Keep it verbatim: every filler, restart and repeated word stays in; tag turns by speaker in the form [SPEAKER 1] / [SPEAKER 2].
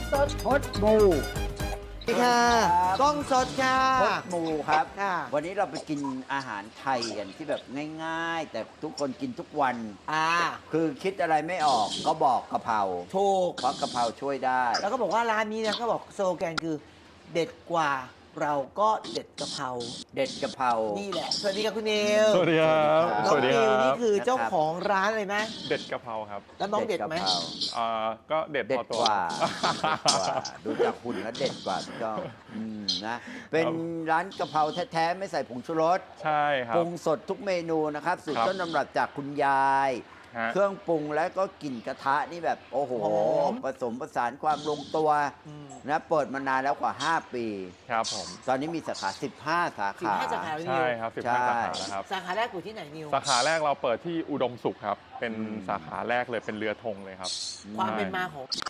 [SPEAKER 1] สดพดมู
[SPEAKER 2] สวัสดีค่ะกล้องสดค่ะ
[SPEAKER 1] พดมูครับ
[SPEAKER 2] ค่ะ
[SPEAKER 1] วันนี้เราไปกินอาหารไทยกันที่แบบง่ายๆ แต่ทุกคนกินทุกวัน
[SPEAKER 2] อ่า
[SPEAKER 1] คือคิดอะไรไม่ออกก็บอกกะเพรา
[SPEAKER 2] ถูก
[SPEAKER 1] เพราะกะเพราช่วยได้
[SPEAKER 2] แล้วก็บอกว่าร้านนี้เนี่ยเขาบอกสโลแกนคือเด็ดกว่าเราก็เด็ดกะเพรา
[SPEAKER 1] เด็ดกะเพรา
[SPEAKER 2] นี่แหละ สวัสดีครับคุณนิว
[SPEAKER 3] สวัสดีครับ
[SPEAKER 2] น้
[SPEAKER 3] ส
[SPEAKER 2] อง
[SPEAKER 3] วัสดี
[SPEAKER 2] นิ
[SPEAKER 3] คว รั
[SPEAKER 2] นี่
[SPEAKER 3] บ
[SPEAKER 2] คือเจ้าของร้านเลยไหม
[SPEAKER 3] เด็ดกะเพราครับ
[SPEAKER 2] แล้วน้องเด็ดไหม
[SPEAKER 1] กะเพรา
[SPEAKER 3] อ่าก็เด็ด
[SPEAKER 1] เด็
[SPEAKER 3] พ
[SPEAKER 1] ด
[SPEAKER 3] อตัว
[SPEAKER 1] กว่าเด็ดกว่า ดูจากหุ่นแล้วเด็ดกว่าพี่ก้องอืมนะ เป็นร้านกะเพราแท้ๆ ไม่ใส่ผงชูรส
[SPEAKER 3] ใช่ครับ
[SPEAKER 1] ปรุงสดทุกเมนูนะครับสูตร
[SPEAKER 3] ครับ
[SPEAKER 1] ต้นตำรับจากคุณยาย
[SPEAKER 3] ฮะ
[SPEAKER 1] เครื่องปรุงแล้วก็กลิ่นกระทะนี่แบบ โอ้โห
[SPEAKER 2] หอม
[SPEAKER 1] ผสมผสานความลงตัว
[SPEAKER 2] อืม
[SPEAKER 1] นะเปิดมานานแล้วกว่า ห้า ปี
[SPEAKER 3] ครับผม
[SPEAKER 1] ตอนนี้มีสาขา สิบห้า สา
[SPEAKER 2] สิบ
[SPEAKER 1] ขา
[SPEAKER 2] ห้าสาขาพี่นิ
[SPEAKER 3] ใช่
[SPEAKER 2] ว
[SPEAKER 3] ครับสิบ
[SPEAKER 1] ใช่
[SPEAKER 3] ห้าสาขาแล้วครับ
[SPEAKER 2] สาขาแรกอยู่ที่ไหนนิว
[SPEAKER 3] สาขาแรกเราเปิดที่อุดมสุขครับ เป็น
[SPEAKER 1] อืม
[SPEAKER 3] สาขาแรกเลยเป็นเรือธงเลยครับ
[SPEAKER 2] ความเป็น
[SPEAKER 3] ใช่
[SPEAKER 2] มาของ